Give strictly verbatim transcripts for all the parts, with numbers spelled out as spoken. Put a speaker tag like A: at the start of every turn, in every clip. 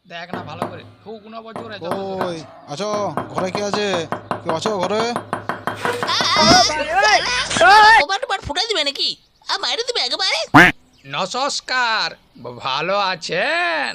A: দেখ না ভালো করে ঠুক না বছরে
B: ওই আছো ঘরে কি আছে? কেউ আছো ঘরে?
C: কবার ফুটাই দিবে নাকি? আর মাইরে দিবে একেবারে।
A: নমস্কার, ভালো আছেন?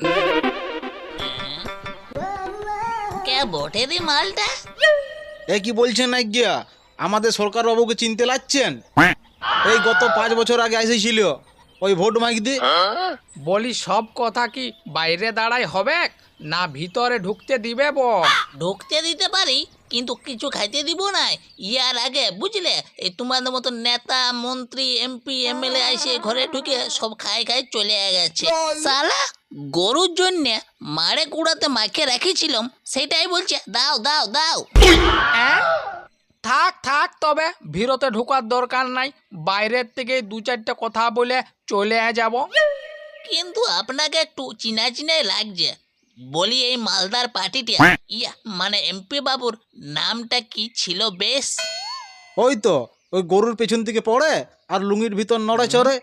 C: কে বটে রে মালটা?
B: এ কি বলছেন না গিয়া? আমাদের সরকার বাবুকে চিনতে লাগছেন? এই গত পাঁচ বছর আগে এসেছিল ওই ভোট মাইকদি।
A: বলি সব কথা কি বাইরে দাঁড়াই হবে না ভিতরে ঢুকতে দিবে? বো
C: ঢুকতে দিতে পারি কিন্তু কিছু খাইতে দিব না। ইয়ার আগে বুঝলে এই তোমাদের মতো নেতা মন্ত্রী এমপি এমএলএ এসে ঘরে ঢুকে সব খাই খাই চলে গেছে। সালা গরুর জন্য মারে কুড়াতে মাকে রেখেছিলাম, সেটাই বলছে দাও দাও দাও।
A: অ্যাঁ? থাক থাক, তবে ভিতরে ঢোকার দরকার নাই, বাইরের থেকে দু চারটে কথা বলে চলে যাব।
C: কিন্তু আপনাকে একটু চিনা চিনাই লাগছে। বলি এই মালদার পার্টিটা ইয়া মানে এমপি বাবুর নামটা কি ছিল বেশ?
B: ওই তো ওই গরুর পেছন থেকে পড়ে আর লুঙ্গির ভিতর নড়ে চড়ে।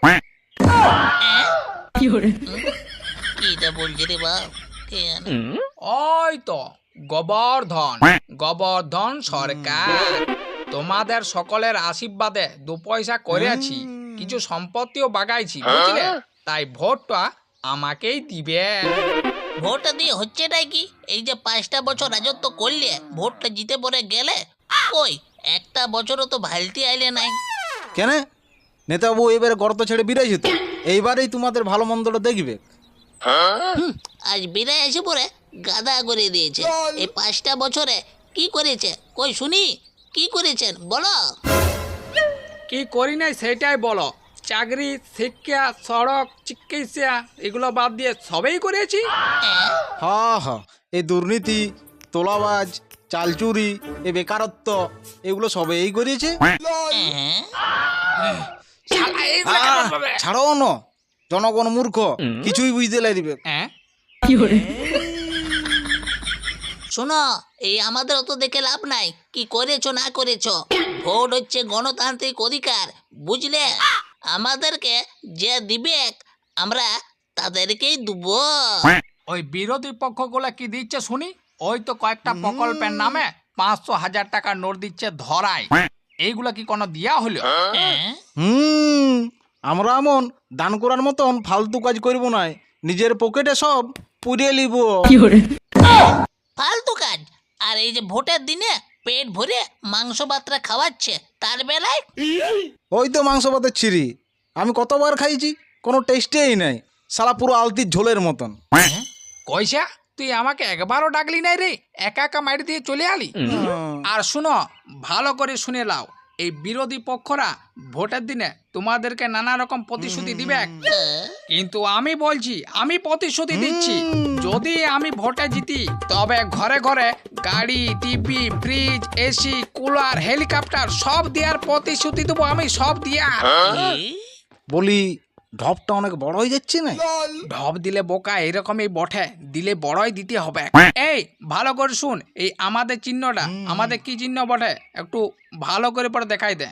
C: কিটা বলছে রে বাপ, কে জানে?
A: ওই তো গোবর্ধন গোবর্ধন সরকার। তোমাদের সকলের আশীর্বাদে দু পয়সা করেছি, কিছু সম্পত্তিও বাগাইছি বুঝলে, তাই ভোটটা আমাকেই দিবে।
C: ভোটটা দিয়ে হচ্ছেটাই কি? এই যে পাঁচটা বছর রাজত্ব করলে ভোটটা জিতে পড়ে গেলে, কই একটা বছরও তো ভালতি আইলে নাই।
B: কেন নেতাবাবু এবারে গর্ত ছেড়ে বিরাইছে তো, এইবারেই তোমাদের ভালো মন্দটা দেখবে।
C: হুম, আজ বিদায় এসে পড়ে গাদা করে দিয়েছে। এই পাঁচটা বছরে কি করেছে কই শুনি? কি করেছেন বলো?
A: কি করি নাই সেটাই বলো। চাকরি, শিক্ষা, সড়ক, চিকিৎসা এগুলো বাদ দিয়ে সবই করেছি।
C: হ্যাঁ,
B: হা হা এই দুর্নীতি, তোলাবাজ, চালচুরি, এই বেকারত্ব এগুলো সবই করিয়েছে।
C: হ্যাঁ।
A: শালা এইগুলো কেমন ভাবে?
B: ছাড়ো ন, জনগণ মূর্খ, কিছুই বুঝতে লাগবে।
A: হ্যাঁ?
C: শোনো, এই আমাদের অত দেখে লাভ নাই কি করেছো না করেছো। ভোট হচ্ছে গণতান্ত্রিক অধিকার, বুঝলে? আমাদেরকে যে দিবে আমরা তাদেরকেই দেবো।
A: ওই বিরোধী পক্ষগুলো কি দিচ্ছে শুনি? ওই তো কয়েকটা প্রকল্পের নামে পাঁচশো হাজার টাকা নোট দিচ্ছে ধরায়। এইগুলা কি কোনো দিয়া হলো?
C: হ্যাঁ?
B: হুম আমরা এমন দান করার মতন ফালতু কাজ করব না, নিজের পকেটে সব পুড়িয়ে নিব।
C: ফালতু কাজ। আর এই যে ভোটের দিনে পেট ভরে মাংস ভাতটা খাওয়াচ্ছে, তার বেলায়
B: ওই তো মাংস ভাতের ছিঁড়ি আমি কতবার খাইছি, কোনো টেস্টেই নাই, সারা পুরো আলতির ঝোলের মতন।
A: কইসা তুই আমাকে একবারও ডাকলি নাই রে, একা একা মাইর দিয়ে চলে আলি। আর শুনো, ভালো করে শুনে লাও, এই বিরোধী পক্ষরা ভোটের দিনে তোমাদেরকে নানা রকম প্রতিশ্রুতি দিবে, কিন্তু আমি বলছি আমি প্রতিশ্রুতি দিচ্ছি, যদি আমি ভোটে জিতি তবে ঘরে ঘরে গাড়ি, TV, fridge, AC, cooler, helicopter সব দেওয়ার প্রতিশ্রুতি দেবো আমি, সব দেওয়ার।
B: বলি ঢপটা অনেক বড় হয়ে যাচ্ছে না?
A: ঢপ দিলে বোকা এরকমই বটে, দিলে বড়ই দিতে হবে। এই ভালো করে শুন, এই আমাদের চিহ্নটা আমাদের কি চিহ্ন বটে একটু ভালো করে পরে দেখাই দে।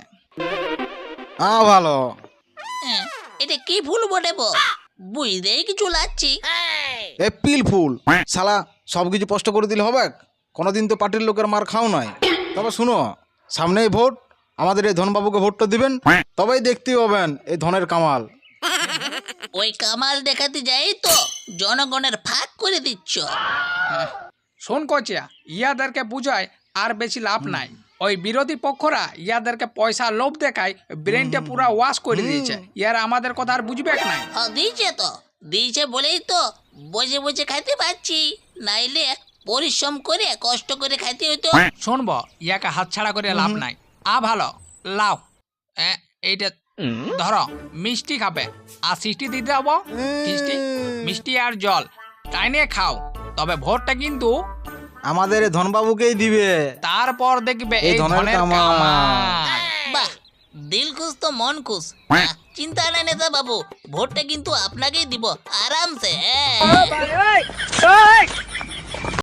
B: আ ভালো
C: হ্যাঁ, এটা কি ফুল বটে বো? বুঝতেই কিছু লাগছি।
B: এপ্রিল ফুল, শালা সব কিছু স্পষ্ট করে দিলে হবে? কোনোদিন তো পার্টির লোকের মার খাও নাই। তবে শুনো, সামনেই ভোট, আমাদের এই ধনবাবুকে ভোটটা দিবেন, তবেই দেখতে পাবেন এই ধনের কামাল।
C: ওই কামাল দেখাতে যাই তো জনগণের ফাঁক করে দিচ্ছ।
A: শোন কচিয়া, ইয়াদেরকে বুঝায় আর বেশি লাভ নাই। ওই বিরোধী পক্ষরা ইয়াদেরকে পয়সা লোভ দেখায়, ব্রেনটা পুরা ওয়াশ করে দিয়েছে। ইয়ার আমাদের কথা আর বুঝবে নাই।
C: হ্যাঁ দিয়েছে তো, দিয়েছে বলেই তো বসে বসে খাইতে পারছি, নাইলে পরিশ্রম করে কষ্ট করে খাইতে হতো।
A: শুনবো, ইয়াকে হাতছাড়া করে লাভ নাই। আ ভালো লাও, এ, এইটা ধরো, মিষ্টি খাবে আর সিষ্টি দিতে হবো। মিষ্টি মিষ্টি আর জল তাই নিয়ে খাও, তবে ভোটটা কিন্তু
B: আমাদের এই ধনবাবুকেই দিবে।
A: তারপর দেখবে
B: এই
A: এই
B: ধনের
A: ধনের
B: কামাল।
A: কামাল।
C: বাহ, দিল খুশ তো মন খুশ। হ্যাঁ, চিন্তা নাই নেতা বাবু, ভোটটা কিন্তু আপনাকেই দিব আরামসে। হ্যাঁ।